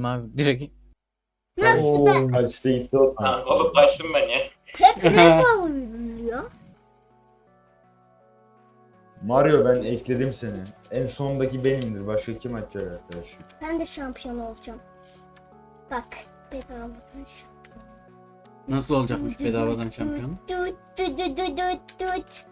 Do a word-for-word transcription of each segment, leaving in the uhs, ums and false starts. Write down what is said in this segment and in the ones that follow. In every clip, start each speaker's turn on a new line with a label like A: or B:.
A: aldım abi direkt.
B: Nasıl ben?
C: Kaçta gitti o tam.
D: Ha, oğlum kaçtım ben ya.
B: Hep ne oluyor?
C: Mario ben ekledim seni. En sondaki benimdir. Başka kim açacak arkadaş?
B: Ben de şampiyon olacağım. Bak bedavadan şampiyon.
E: Nasıl olacakmış bedavadan şampiyon?
B: Tut tut tut tut tut tut.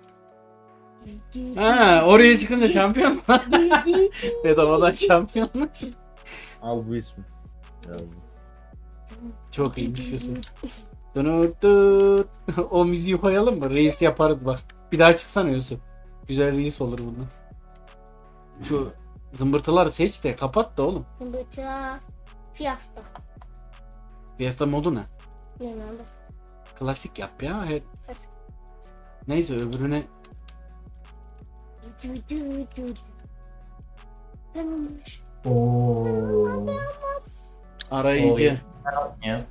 E: Ha, oraya çıkınca şampiyon. Bedavadan şampiyon.
C: Al bu ismi. Yazdım.
E: Çok iyiymiş Yusuf. Dönüt dut. O müziği koyalım mı? Reis yaparız bak. Bir daha çıksana Yusuf. Güzel reis olur bundan. Şu zımbırtıları seç de kapat da oğlum.
B: Zımbırtı. Fiesta.
E: Fiesta modu ne?
B: Bilmiyorum.
E: Klasik yap ya. Her...
B: Klasik.
E: Neyse öbürüne
B: Tut tut tut. Tamammış.
F: Oo.
E: arayıcı.
A: Ya.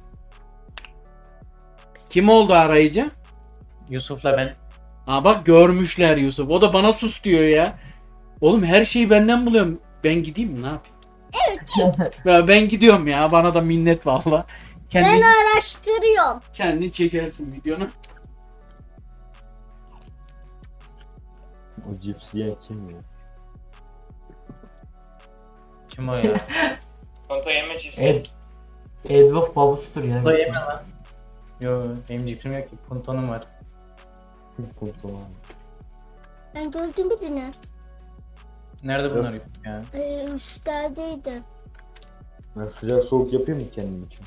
E: Kim oldu arayıcı?
A: Yusuf'la ben.
E: Aa bak görmüşler Yusuf. O da bana sus diyor ya. Oğlum her şeyi benden buluyorum. Ben gideyim mi ne yapayım? Evet. Ya ben gidiyorum ya. Bana da minnet valla. Kendin,
B: Ben araştırıyorum.
E: kendin çekersin videonu.
C: O cipsi yiyen kim ya?
A: Kim o ya?
D: Konto yeme çiftsi.
F: Ed Edward babasıdır ya.
A: Bu da yeme lan. Yo benim cipsim yok ki. Puntonum var.
C: Kurtulamam.
B: Ben gördüm birini.
A: Nerede bunlar
C: Nasıl?
A: ya?
B: Ee, üstlerdeydi.
C: Ben sıcak soğuk yapayım mı kendim için?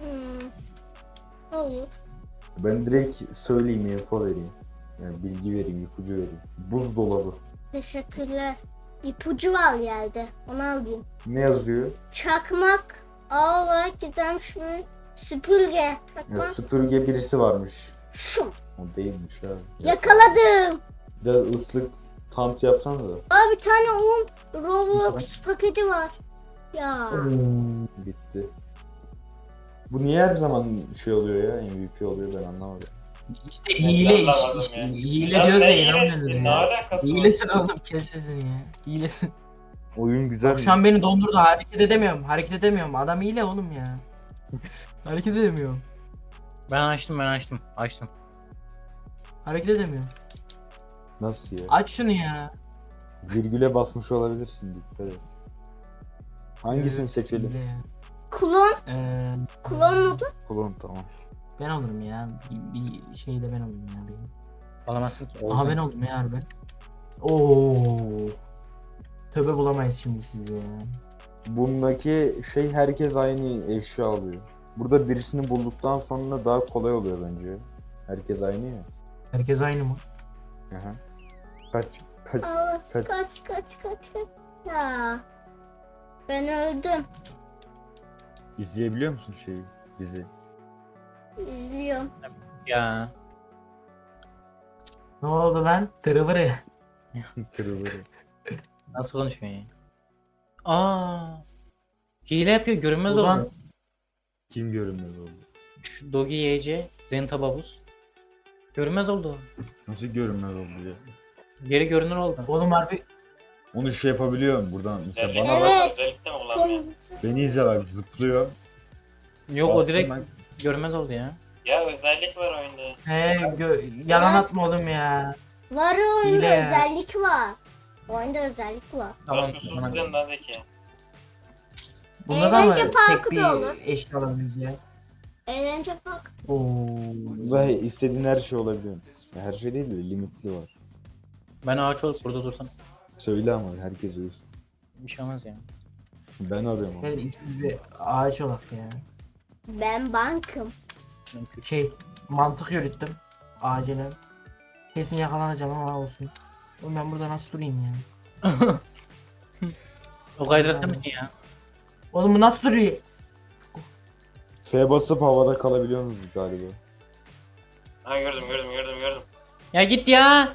B: Hmm. Olur.
C: Ben direkt söyleyeyim, info vereyim. Yani bilgi vereyim, ipucu vereyim. Buzdolabı.
B: Teşekkürler. İpucu var yerde. Onu alayım.
C: Ne yazıyor?
B: Çakmak. A olarak gidermiş mi? Süpürge.
C: Ya
B: Çakmak.
C: süpürge birisi varmış.
B: Şu.
C: O değilmiş abi.
B: Yakaladım.
C: Bir de ıslık tant yapsana da.
B: Aa bir tane un Roblox paketi var. Ya.
C: Bitti. Bu niye her zaman şey oluyor ya, M V P oluyor ben anlamadım.
F: İşte hile
D: Allah
F: işte,
D: Allah
F: işte.
D: ya.
F: Hile
D: Ya
F: diyoruz
D: ne
F: ya
D: hilesi?
F: inanmıyorsunuz
D: Ne
F: ya.
D: alakası var?
F: Hilesin oğlum kes sesini ya. Hilesin.
C: Oyun güzel mi?
F: Şu an beni dondurdu hareket edemiyorum. Hareket edemiyorum. Adam hile oğlum ya. Hareket edemiyorum.
A: Ben açtım ben açtım. Açtım.
F: Hareket edemiyorum.
C: Nasıl ya?
F: Aç şunu ya.
C: Virgüle basmış olabilirsin, dikkat et. Hangisini seçelim?
F: Hile ya.
B: Klon.
F: Ee,
B: Klon modu.
C: Kullanım tamam.
F: ben olurum ya. Bir, bir şeyde ben olayım ya benim.
A: Alamazsın ki.
F: Aha ben oldum ya harbi. Oo. Tövbe bulamayız şimdi sizi ya.
C: Bundaki şey herkes aynı eşya alıyor. Burada birisini bulduktan sonra daha kolay oluyor bence. Herkes aynı ya.
F: Herkes aynı mı?
C: Aha. Kaç kaç
B: Aa,
C: kaç.
B: kaç kaç kaç kaç. Ya. Ben öldüm.
C: İzleyebiliyor musun şeyi? Bizi.
B: İzliyorum.
A: Ya.
F: Ne oldu lan? Tırıvırı.
C: Kırılır.
A: Nasıl konuşuyorsun ya? Aa. Hile yapıyor görünmez
F: Ozan-
A: oldu.
C: Kim görünmez oldu?
A: Şu Dogi Y C, Zenta Babus. Görünmez oldu.
C: Nasıl görünmez oldu ya?
A: Geri görünür oldu.
F: Oğlum harbi
C: Onu şey yapabiliyorum buradan. Mesela
D: Özellikle
C: bana
D: var,
B: Evet.
D: özellikle mi kullanmıyor?
C: beni izle bak, zıplıyor.
A: Yok o
C: Bastım
A: direkt
C: ben.
A: görünmez oldu ya.
D: Ya özellik var oyunda.
F: he gö- yalan atma oğlum ya.
B: Var o oyunda
F: Hile ya.
B: özellik var. Oyunda özellik var.
A: Tamam.
D: Yusuf
A: tamam.
D: bizden daha zeki.
F: Bunda da mı
B: Eğlence parkı
F: tek bir
B: da olur.
F: eşya alabiliriz ya?
B: Eğlence park.
F: Oo.
C: Ve istediğin her şey olabiliyor. Ya her şey değil de limitli var.
A: Ben ağaç olup burada dursam
C: Söyle ama herkes uyusun.
A: bir şey olmaz ya.
C: Ben arıyorum ama.
F: Hadi ikimiz bir ağaç olak ya.
B: Ben bankım.
A: Mümkün.
F: Şey mantık yürüttüm. Acilen. Kesin yakalanacağım ama olsun. Oğlum ben burada nasıl durayım ya?
A: O kaydırakta mısın ya?
F: Oğlum bu nasıl duruyor?
C: F basıp havada kalabiliyor musunuz galiba?
D: Ha gördüm gördüm gördüm gördüm.
A: Ya git ya.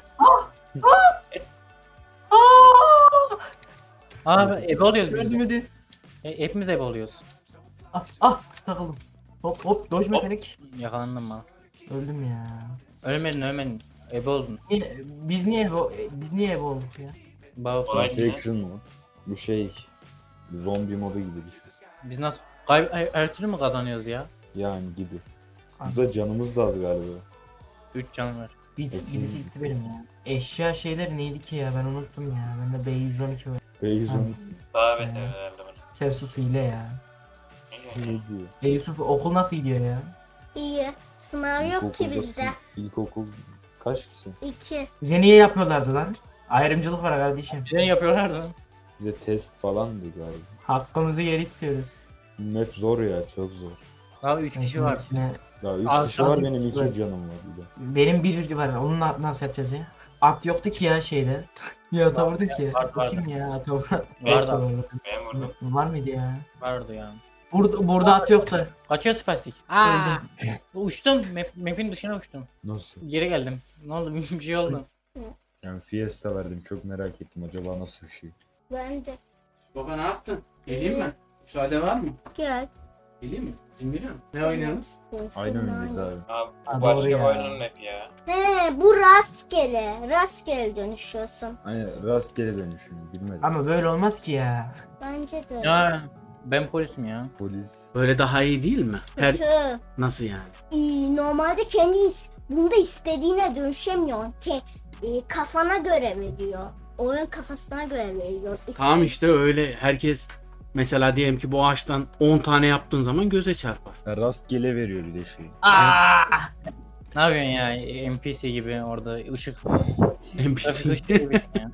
A: Aa ebe oluyoruz biz.
F: Gördüm hadi.
A: E, hepimiz ebe oluyoruz.
F: Ah ah takıldım. Hop hop dodge mekanik.
A: Yakalandım bana.
F: Öldüm ya.
A: Ölmedin ölmedin. Ebe oldun.
F: Niye- Biz niye bu biz niye ebe olduk ya?
A: Baba
D: Olay-
C: Infection mu? Bu şey zombi modu gibi düşün.
A: biz nasıl Kay her, her türlü mü kazanıyoruz ya?
C: Yani gibi. Burada canımız da az galiba.
A: üç can var.
F: Birisi,
C: Esin-
F: birisi gitti benim ya. Eşya şeyleri neydi ki ya ben unuttum ya. Bende B yüz on iki var.
C: Beyzun
D: Daha
F: Ee.
D: beter herhalde bana.
F: Sen sus hile ya.
C: ne diyor?
F: E Yusuf okul nasıl gidiyor ya?
B: İyi. Sınav yok ki
C: İlkokulda-
B: bizde.
C: İlkokul kaç kişi?
B: İki.
F: Bize niye yapıyorlardı lan? Ayrımcılık var kardeşim.
A: Şey yapıyorlar da.
C: Bize test falandı galiba.
F: Hakkımızı geri istiyoruz.
C: Map zor ya, çok zor.
A: Daha üç
F: Ben
A: kişi
F: şimdi
A: var.
F: hepsine-
C: Daha üç
A: Az-
C: kişi var,
A: az-
C: benim iki
A: Evet.
C: canım var bir de.
F: Benim bir var. Onu na- nasıl yapacağız ya? At yoktu ki ya şeyde. Ya ata vurdum ki.
A: var, var.
F: Bakayım ya ata vurdum.
A: Var da.
D: Ben vurdum.
F: Var mıydı ya?
A: Vardı ya.
F: Burada, burada at yoktu.
A: Kaçıyor spastik. Aa! Uçtum. Map, map'in dışına uçtum.
C: Nasıl?
A: Geri geldim. Ne oldu? Bir şey oldu.
C: Yani Fiesta verdim, çok merak ettim acaba nasıl bir şey.
B: Ben de.
E: Baba ne yaptın? Geleyim mi? Müsaade var mı?
B: Gel.
E: Geleyim mi? İzin veriyor musun? Ne oynuyoruz?
C: Aynı oyundayız abi.
D: Abi
F: Ha,
D: bu
F: doğru
D: başka
F: ya.
D: bir oyunun map ya.
B: He bu rastgele. Rastgele dönüşüyorsun.
C: Aynen, rastgele dönüşüm, bilmedim.
F: Ama böyle olmaz ki ya.
B: Bence de.
A: Ya ben polisim ya.
C: Polis.
E: Böyle daha iyi değil mi? Her
B: Kötü.
E: nasıl yani?
B: İyi, normalde kendi is- bunda istediğine dönüşemiyorsun. Ke e, kafana göre veriyor. Oyun kafasına göre veriyor.
E: Tamam
B: İste-
E: işte öyle herkes mesela diyelim ki bu ağaçtan on tane yaptığın zaman göze çarpar.
C: Ya rastgele veriyor bir de şey.
A: Aa! Ne yapıyorsun ya? N P C gibi orada ışık.
E: N P
A: Trafik
E: C.
A: ışık gibisin ya.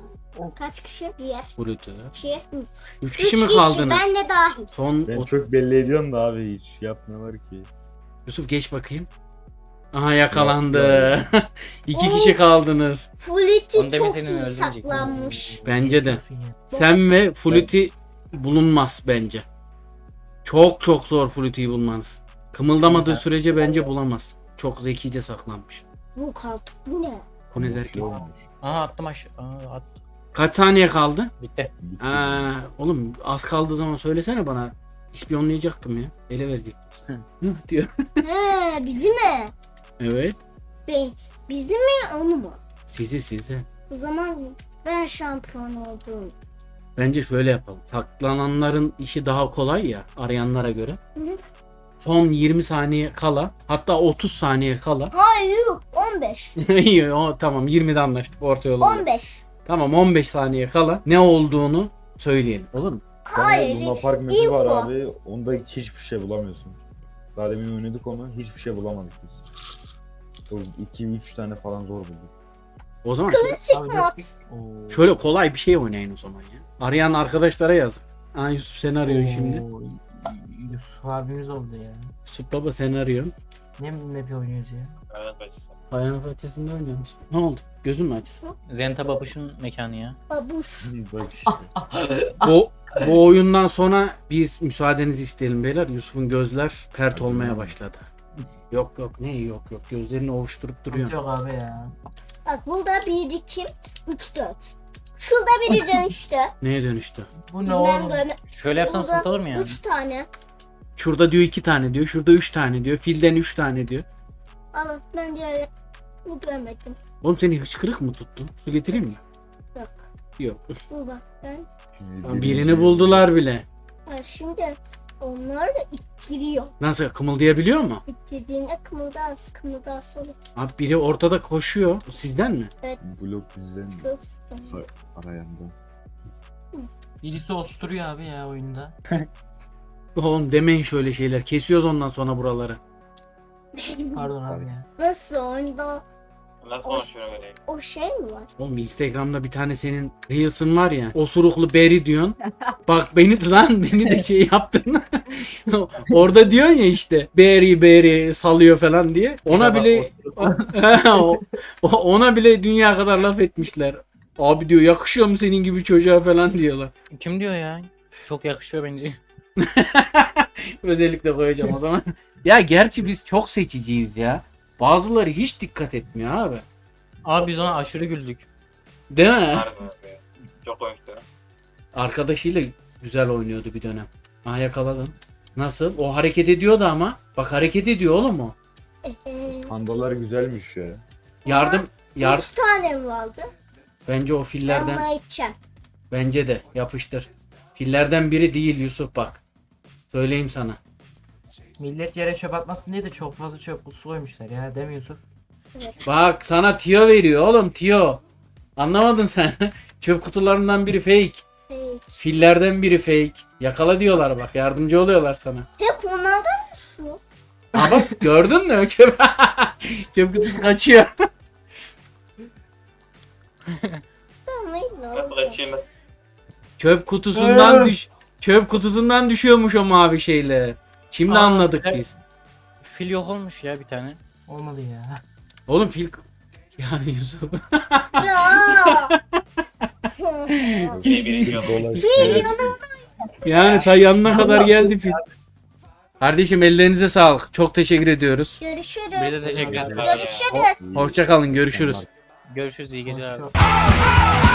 B: Kaç kişi? Bir,
E: Brutu.
B: iki, üç.
E: Üç
B: Üç
E: kişi mi kaldınız?
B: Ben de dahil.
E: Son
C: Ben
E: o-
C: çok belli ediyorum da abi, hiç yapmıyorlar ki.
E: Yusuf geç bakayım. Aha yakalandı.
C: Yok,
E: İki
B: Of.
E: kişi kaldınız.
B: Fuliti
A: Onu demin
B: çok
A: senin
B: iyi
A: öldürecek.
B: saklanmış.
E: Bence de.
F: İstiyorsun ya.
E: Sen ve Fluty bulunmaz bence. Çok çok zor Fluty'yi bulmanız. Kımıldamadığı
A: Evet.
E: sürece bence bulamaz. Çok zekice saklanmış.
B: Bu kaltık bu ne?
E: Bu ne
C: Bir
E: der
C: şey
E: ki?
C: olmuş.
A: Aha attım aşağı. Aa, attım.
E: Kaç saniye kaldı?
A: Bitti.
C: Bitti.
E: Aa, oğlum az kaldığı zaman söylesene bana. İspiyonlayacaktım ya. Ele verdik. Hı diyor.
B: He bizi mi?
E: Evet.
B: Be, bizi mi onu mu?
E: Sizi sizi.
B: O zaman ben şampiyon oldum.
E: Bence şöyle yapalım. Saklananların işi daha kolay ya arayanlara göre.
B: Hı hı.
E: Son yirmi saniye kala, hatta otuz saniye kala.
B: Hayır on beş.
E: İyi, o tamam yirmide anlaştık orta yolu.
B: on beş.
E: Tamam on beş saniye kala ne olduğunu söyleyelim. Olur mu?
B: Hayır.
C: Luna Park map'i
B: info.
C: var abi, onda hiçbir şey bulamıyorsun. Daha demin oynadık onu, hiçbir şey bulamadık biz. iki üç tane falan zor bulduk.
E: O zaman
B: Klasik
F: Abi,
B: mod.
F: Oo.
E: şöyle kolay bir şey oynayın o zaman ya. Arayan arkadaşlara yazın. Aa Yusuf seni arıyor şimdi.
F: Oo, Yusuf abimiz oldu ya.
E: Yusuf baba seni arıyor.
F: Ne map oynuyoruz ya?
D: Hayvanat bahçesi.
E: Hayvanat bahçesinde oynuyormuş. Ne oldu? Gözün mü açtı?
A: Zenta Babuş'un mekanı ya.
B: Babuş.
C: Bak işte.
E: Bu, bu oyundan sonra biz müsaadenizi isteyelim beyler. Yusuf'un gözler pert olmaya başladı. Yok yok ne yok yok gözlerini ovuşturup duruyor.
F: Sıkıntı yok abi ya.
B: Bak burada bir, iki, üç, dört. Şurada biri dönüştü.
E: Neye dönüştü?
F: Bu ne
B: Bilmem
F: oğlum?
B: görme.
A: Şöyle yapsam
B: Burada
A: sıkıntı olur mu ya?
B: Üç tane.
E: Şurada diyor iki tane diyor. Şurada üç tane diyor. Filden üç tane diyor.
B: Alın ben diğer bu görmedim.
E: Oğlum seni hıçkırık mı tuttu? Su getireyim mi?
B: Yok.
E: Yok.
B: Bu bak ben.
C: Şimdi
E: Birini buldular bile.
B: Ha, şimdi onlar da ittiriyor.
E: Nasıl kımıldayabiliyor mu?
B: İttirdiğinde kımıldas, kımıldas olur.
E: Abi biri ortada koşuyor. O sizden mi?
C: Blok bizden
B: Yok.
C: Sa- arayandan.
F: Birisi osturuyor abi ya oyunda.
E: Oğlum demeyin şöyle şeyler. Kesiyoruz ondan sonra buraları.
F: Pardon abi ya.
B: Nasıl oyunda
D: Nasıl konuşuyorum öyle?
B: o şey mi var?
E: Oğlum Instagram'da bir tane senin Reels'ın var ya. Osuruklu beri diyorsun. Bak beni de lan beni de şey yaptın. Orada diyorsun ya işte. Beri beri salıyor falan diye. Ona bile O- o- ona bile dünya kadar laf etmişler. Abi diyor yakışıyor mu senin gibi çocuğa falan diyorlar.
A: Kim diyor ya? Çok yakışıyor bence.
E: Özellikle koyacağım o zaman. Ya gerçi biz çok seçiciyiz ya. Bazıları hiç dikkat etmiyor abi.
A: Abi biz ona aşırı güldük.
E: Değil mi?
D: Harbi abi. Çok komikti.
E: Arkadaşıyla güzel oynuyordu bir dönem. Ha yakaladın. Nasıl? O hareket ediyordu ama. Bak hareket ediyor oğlum o.
B: Ee,
C: Pandalar güzelmiş ya.
E: Yardım yar
B: Üç tane mi vardı?
E: bence o
B: Ben
E: fillerden
B: bunu içeceğim.
E: bence de yapıştır. Fillerden biri değil Yusuf bak. Söyleyeyim sana.
F: Millet yere çöp atmasın diye de çok fazla çöp kutusu koymuşlar ya, değil mi Yusuf?
E: Bak sana tiyo veriyor oğlum, tiyo. Anlamadın sen. Çöp kutularından biri fake.
B: Peki.
E: Fillerden biri fake. Yakala diyorlar bak, yardımcı oluyorlar sana.
B: Hep onlardan mı şu?
E: Ha bak gördün mü? Çöp, çöp kutusu kaçıyor.
B: Ben neydi
D: Nasıl kaçıyor nasıl?
E: Çöp kutusundan düş çöp kutusundan düşüyormuş o mavi şeyle. Şimdi
A: Aa,
E: anladık
A: evet.
E: biz.
A: Fil yok olmuş ya bir tane.
F: Olmadı ya.
E: Oğlum fil yani Yusuf.
B: Ya.
D: Birinci yol.
C: Dolaşıyor.
E: Yani ta yanına kadar geldi fil. Kardeşim ellerinize sağlık. Çok teşekkür ediyoruz.
B: Görüşürüz.
A: Biz de teşekkür ederiz.
B: Görüşürüz.
E: Hoşça kalın, görüşürüz.
A: Görüşürüz, iyi geceler.
F: Şu-